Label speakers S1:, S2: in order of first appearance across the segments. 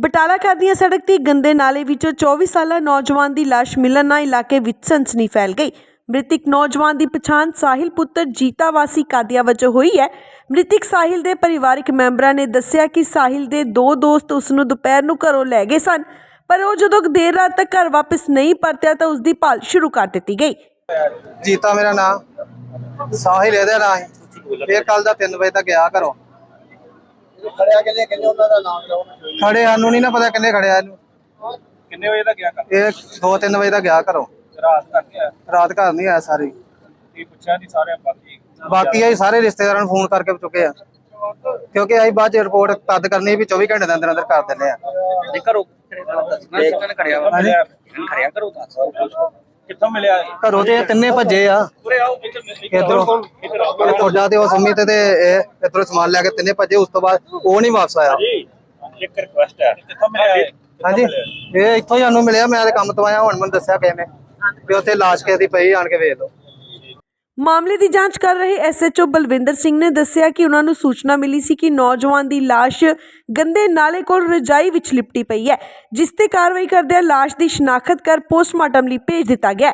S1: ਬਟਾਲਾ ਖਾਦੀਆਂ ਸੜਕ ਤੇ ਗੰਦੇ ਨਾਲੇ ਵਿੱਚੋਂ 24 ਸਾਲਾ ਨੌਜਵਾਨ ਦੀ ਲਾਸ਼ ਮਿਲਣ ਨਾਲ ਇਲਾਕੇ ਵਿੱਚ ਸਨਸਨੀ ਫੈਲ ਗਈ। ਮ੍ਰਿਤਕ ਨੌਜਵਾਨ ਦੀ ਪਛਾਣ ਸਾਹਿਲ ਪੁੱਤਰ ਜੀਤਾ ਵਾਸੀ ਕਾਦੀਆਂ ਵਜੋਂ ਹੋਈ ਹੈ। ਮ੍ਰਿਤਕ ਸਾਹਿਲ ਦੇ ਪਰਿਵਾਰਕ ਮੈਂਬਰਾਂ ਨੇ ਦੱਸਿਆ ਕਿ ਸਾਹਿਲ ਦੇ ਦੋ ਦੋਸਤ ਉਸ ਨੂੰ ਦੁਪਹਿਰ ਨੂੰ ਘਰੋਂ ਲੈ ਗਏ ਸਨ, ਪਰ ਉਹ ਜਦੋਂ ਦੇਰ ਰਾਤ ਤੱਕ ਘਰ ਵਾਪਸ ਨਹੀਂ ਪਰਤਿਆ ਤਾਂ ਉਸ ਦੀ ਭਾਲ ਸ਼ੁਰੂ ਕਰ ਦਿੱਤੀ ਗਈ।
S2: ਜੀਤਾ ਮੇਰਾ ਨਾਮ, ਸਾਹਿਲ ਇਹਦਾ ਨਾਂ ਹੈ। ਇਹ ਕੱਲ ਦਾ 3 ਵਜੇ ਤੱਕ ਗਿਆ ਘਰੋਂ।
S3: ਖੜਿਆ ਕਿੰਨੇ ਉਹਨਾਂ ਦਾ ਨਾਮ ਲਓ।
S2: ਖੜੇ ਸਾਨੂੰ ਨਹੀਂ ਨਾ ਪਤਾ ਕਿੰਨੇ ਖੜਿਆ ਇਹਨੂੰ।
S3: ਕਿੰਨੇ ਵਜੇ ਦਾ ਗਿਆ ਕਰ?
S2: ਇਹ 2-3 ਵਜੇ ਤੱਕ ਗਿਆ ਘਰੋਂ।
S3: ਰਾਤ ਤੱਕ ਗਿਆ?
S2: ਰਾਤ ਘਰ ਨਹੀਂ ਆਇਆ ਸਾਰੀ।
S3: ਕੀ ਪੁੱਛਿਆ ਜੀ ਸਾਰੇ
S2: ਬਾਕੀ ਅਸੀਂ ਸਾਰੇ ਰਿਸ਼ਤੇਦਾਰਾਂ ਨੂੰ ਫੋਨ ਕਰਕੇ ਚੁੱਕੇ ਆ, ਕਿਉਂਕਿ ਅਸੀਂ ਬਾਅਦ ਚ ਰਿਪੋਰਟ ਤਦ ਕਰਨੀ ਵੀ 24 ਘੰਟੇ ਦੇ ਅੰਦਰ ਅੰਦਰ ਕਰ ਦਿੰਦੇ ਆ।
S3: ਜੇ ਘਰੋਂ ਖੜਿਆ ਵਾ ਖੜਿਆ ਕਰੋ ਦੱਸ ਕਿੱਥੋਂ ਮਿਲਿਆ?
S2: ਘਰੋਂ ਤੇ ਤਿੰਨੇ ਭੱਜੇ ਆ।
S3: ਉਰੇ ਆਓ
S2: ਇਧਰੋਂ ਤੁਹਾਡਾ ਤੇ ਉਹ ਸੰਮੀ ਤੇ ਇਹ ਇਧਰੋਂ ਸਮਾਨ ਲੈ ਕੇ ਤਿੰਨੇ ਭੱਜੇ। ਉਸ ਤੋਂ ਬਾਅਦ ਉਹ ਨਹੀਂ ਵਾਪਸ ਆਇਆ।
S3: ਜੀ ਇੱਕ ਰਿਕੁਐਸਟ ਹੈ, ਕਿੱਥੋਂ ਮਿਲਿਆ?
S2: ਹਾਂਜੀ ਇਹ ਇੱਥੋਂ ਹੀ ਸਾਨੂੰ ਮਿਲਿਆ। ਮੈਂ ਤੇ ਕੰਮ ਤੋਂ ਆਇਆ, ਹੁਣ ਮੈਨੂੰ ਦੱਸਿਆ ਕਿਸੇ ਨੇ ਵੀ ਉੱਥੇ ਲਾਸ਼ ਕਿਸੇ ਦੀ ਪਈ, ਆਣ ਕੇ ਵੇਖ ਲਓ।
S1: ਮਾਮਲੇ ਦੀ ਜਾਂਚ ਕਰ ਰਹੇ ਐਸਐਚਓ ਬਲਵਿੰਦਰ ਸਿੰਘ ਨੇ ਦੱਸਿਆ ਕਿ ਉਹਨਾਂ ਨੂੰ ਸੂਚਨਾ ਮਿਲੀ ਸੀ ਕਿ ਨੌਜਵਾਨ ਦੀ ਲਾਸ਼ ਗੰਦੇ ਨਾਲੇ ਕੋਲ ਰਜਾਈ ਵਿੱਚ ਲਿਪਟੀ ਪਈ ਹੈ, ਜਿਸ ਤੇ ਕਾਰਵਾਈ ਕਰਦਿਆਂ ਲਾਸ਼ ਦੀ ਸ਼ਨਾਖਤ ਕਰ ਪੋਸਟਮਾਰਟਮ ਲਈ ਭੇਜ ਦਿੱਤਾ ਗਿਆ।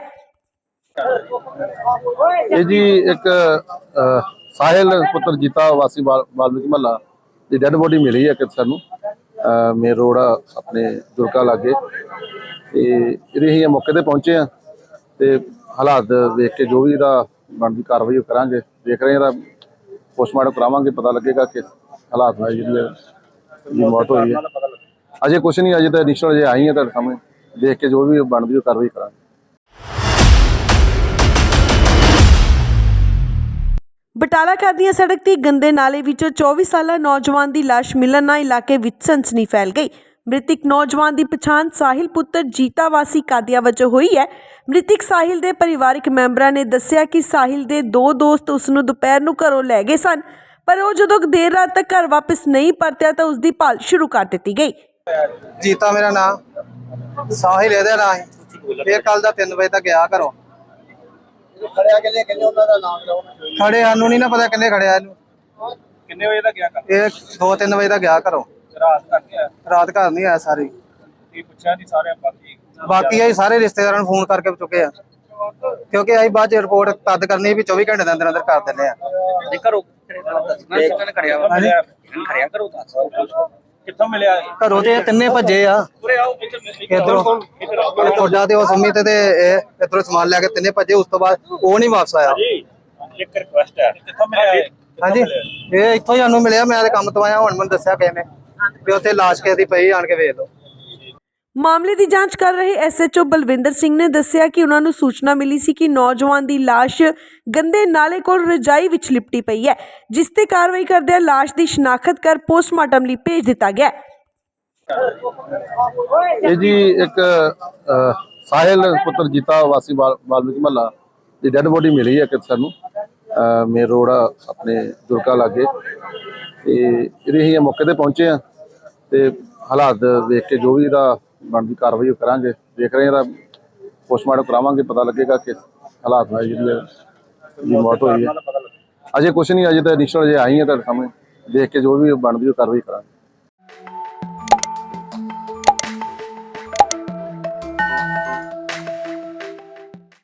S4: ਇਹ ਜੀ ਇੱਕ ਸਾਹਿਲ ਪੁੱਤਰ ਜੀਤਾ ਵਾਸੀ ਵਾਲਮੀਕੀ ਮਹੱਲਾ ਦੀ ਡੈਡ ਬੋਡੀ ਮਿਲੀ ਹੈ ਕਿ ਸਾਨੂੰ ਮੇਨ ਰੋਡ ਆਪਣੇ ਜੁਰਕਾ ਲਾਗੇ, ਤੇ ਇਹਦੇ ਅਸੀਂ ਮੌਕੇ ਤੇ ਪਹੁੰਚੇ ਆ ਤੇ ਹਾਲਾਤ ਦੇਖ ਕੇ ਜੋ ਵੀ ਇਹਦਾ ਬਣਦੀ ਕਾਰਵਾਈ ਉਹ ਕਰਾਂਗੇ। ਦੇਖ ਰਹੇ ਇਹਦਾ ਪੋਸਟਮਾਰਟਮ ਕਰਾਵਾਂਗੇ, ਪਤਾ ਲੱਗੇਗਾ ਕਿ ਹਾਲਾਤ ਨਾਲ ਜਿਹੜੀ ਮੌਤ ਹੋਈ ਹੈ। ਅਜੇ ਕੁਛ ਨਹੀਂ, ਅਜੇ ਤਾਂ ਇਨੀਸ਼ੀਅਲ ਅਜੇ ਆਈ ਹੈ ਤੁਹਾਡੇ ਸਾਹਮਣੇ, ਦੇਖ ਕੇ ਜੋ ਵੀ ਬਣਦੀ ਉਹ ਕਾਰਵਾਈ ਕਰਾਂਗੇ।
S1: ਬਟਾਲਾ ਖਾਦੀਆਂ ਸੜਕ ਤੇ ਗੰਦੇ ਨਾਲੇ ਵਿੱਚੋਂ 24 ਸਾਲਾ ਨੌਜਵਾਨ ਦੀ ਲਾਸ਼ ਮਿਲਣ ਨਾਲ ਇਲਾਕੇ ਵਿੱਚ ਸਨਸਨੀ ਫੈਲ ਗਈ। ਮ੍ਰਿਤਕ ਨੌਜਵਾਨ ਦੀ ਪਛਾਣ ਸਾਹਿਲ ਪੁੱਤਰ ਜੀਤਾ ਵਾਸੀ ਕਾਦੀਆਂ ਵਜੋਂ ਹੋਈ ਹੈ। ਮ੍ਰਿਤਕ ਸਾਹਿਲ ਦੇ ਪਰਿਵਾਰਕ ਮੈਂਬਰਾਂ ਨੇ ਦੱਸਿਆ ਕਿ ਸਾਹਿਲ ਦੇ ਦੋ ਦੋਸਤ ਉਸ ਨੂੰ ਦੁਪਹਿਰ ਨੂੰ ਘਰੋਂ ਲੈ ਗਏ ਸਨ, ਪਰ ਉਹ ਜਦੋਂ ਦੇਰ ਰਾਤ ਤੱਕ ਘਰ ਵਾਪਸ ਨਹੀਂ ਪਰਤਿਆ ਤਾਂ ਉਸ ਦੀ ਭਾਲ ਸ਼ੁਰੂ ਕਰ ਦਿੱਤੀ ਗਈ।
S2: ਜੀਤਾ ਮੇਰਾ ਨਾਮ, ਸਾਹਿਲ ਇਹਦਾ ਨਾਂ ਹੈ। ਇਹ ਕੱਲ ਦਾ 3 ਵਜੇ ਤੱਕ ਗਿਆ ਘਰੋਂ।
S3: ਖੜਿਆ ਕਿੰਨੇ ਉਹਨਾਂ ਦਾ ਨਾਮ ਲਓ।
S2: ਖੜੇ ਸਾਨੂੰ ਨਹੀਂ ਨਾ ਪਤਾ ਕਿੰਨੇ ਖੜਿਆ ਇਹਨੂੰ।
S3: ਕਿੰਨੇ ਵਜੇ ਦਾ ਗਿਆ ਕਰ?
S2: ਇਹ 2-3 ਵਜੇ ਤੱਕ ਗਿਆ ਘਰੋਂ।
S3: ਰਾਤ ਤੱਕ ਗਿਆ?
S2: ਰਾਤ ਘਰ ਨਹੀਂ ਆਇਆ ਸਾਰੀ।
S3: ਕੀ ਪੁੱਛਿਆ ਜੀ ਸਾਰੇ
S2: ਬਾਕੀ ਅਸੀਂ ਸਾਰੇ ਰਿਸ਼ਤੇਦਾਰਾਂ ਨੂੰ ਫੋਨ ਕਰਕੇ ਚੁੱਕੇ ਆ, ਕਿਉਂਕਿ ਅਸੀਂ ਬਾਅਦ ਚ ਰਿਪੋਰਟ ਤਦ ਕਰਨੀ ਵੀ 24 ਘੰਟੇ ਦੇ ਅੰਦਰ ਅੰਦਰ ਕਰ ਦਿੰਦੇ ਆ।
S3: ਜੇ ਘਰੋਂ ਖੜਿਆ ਵਾ ਖੜਿਆ ਕਰੋ ਦੱਸ ਕਿੱਥੋਂ ਮਿਲਿਆ?
S2: ਘਰੋਂ ਤੇ ਤਿੰਨੇ ਭੱਜੇ ਆ।
S3: ਉਰੇ ਆਓ
S2: ਇਧਰੋਂ ਤੁਹਾਡਾ ਤੇ ਉਹ ਸੰਮੀ ਤੇ ਇਹ ਇਧਰੋਂ ਸਮਾਨ ਲੈ ਕੇ ਤਿੰਨੇ ਭੱਜੇ। ਉਸ ਤੋਂ ਬਾਅਦ ਉਹ ਨਹੀਂ ਵਾਪਸ ਆਇਆ।
S3: ਜੀ ਇੱਕ ਰਿਕੁਐਸਟ ਹੈ, ਕਿੱਥੋਂ ਮਿਲਿਆ?
S2: ਹਾਂਜੀ ਇਹ ਇੱਥੋਂ ਹੀ ਸਾਨੂੰ ਮਿਲਿਆ। ਮੈਂ ਤੇ ਕੰਮ ਤੋਂ ਆਇਆ, ਹੁਣ ਮੈਨੂੰ ਦੱਸਿਆ ਕਿਸੇ ਨੇ ਵੀ ਉੱਥੇ ਲਾਸ਼ ਕਿਸੇ ਦੀ ਪਈ, ਆਣ ਕੇ ਵੇਖ ਲਓ।
S1: ਮਾਮਲੇ ਦੀ ਜਾਂਚ ਕਰ ਰਹੇ ਐਸਐਚਓ ਬਲਵਿੰਦਰ ਸਿੰਘ ਨੇ ਦੱਸਿਆ ਕਿ ਉਹਨਾਂ ਨੂੰ ਸੂਚਨਾ ਮਿਲੀ ਸੀ ਕਿ ਨੌਜਵਾਨ ਦੀ ਲਾਸ਼ ਗੰਦੇ ਨਾਲੇ ਕੋਲ ਰਜਾਈ ਵਿੱਚ ਲਿਪਟੀ ਪਈ ਹੈ, ਜਿਸ ਤੇ ਕਾਰਵਾਈ ਕਰਦਿਆਂ ਲਾਸ਼ ਦੀ ਸ਼ਨਾਖਤ ਕਰ ਪੋਸਟਮਾਰਟਮ ਲਈ ਭੇਜ ਦਿੱਤਾ ਗਿਆ।
S4: ਇਹ ਜੀ ਇੱਕ ਸਾਹਿਲ ਪੁੱਤਰ ਜੀਤਾ ਵਾਸੀ ਵਾਲਮੀਕੀ ਮਹੱਲਾ ਦੀ ਡੈਡ ਬੋਡੀ ਮਿਲੀ ਹੈ ਕਿ ਸਾਨੂੰ ਮੇਨ ਰੋਡ ਆਪਣੇ ਜੁਰਕਾ ਲਾਗੇ, ਤੇ ਇਹਦੇ ਅਸੀਂ ਮੌਕੇ ਤੇ ਪਹੁੰਚੇ ਆ ਤੇ ਹਾਲਾਤ ਦੇਖ ਕੇ ਜੋ ਵੀ ਇਹਦਾ ਬਣਦੀ ਕਾਰਵਾਈ ਉਹ ਕਰਾਂਗੇ। ਦੇਖ ਰਹੇ ਇਹਦਾ ਪੋਸਟਮਾਰਟਮ ਕਰਾਵਾਂਗੇ, ਪਤਾ ਲੱਗੇਗਾ ਕਿ ਹਾਲਾਤ ਨਾਲ ਜਿਹੜੀ ਮੌਤ ਹੋਈ ਹੈ। ਅਜੇ ਕੁਛ ਨਹੀਂ, ਅਜੇ ਤਾਂ ਇਨੀਸ਼ੀਅਲ ਅਜੇ ਆਈ ਹੈ ਤੁਹਾਡੇ ਸਾਹਮਣੇ, ਦੇਖ ਕੇ ਜੋ ਵੀ ਬਣਦੀ ਉਹ ਕਾਰਵਾਈ ਕਰਾਂਗੇ।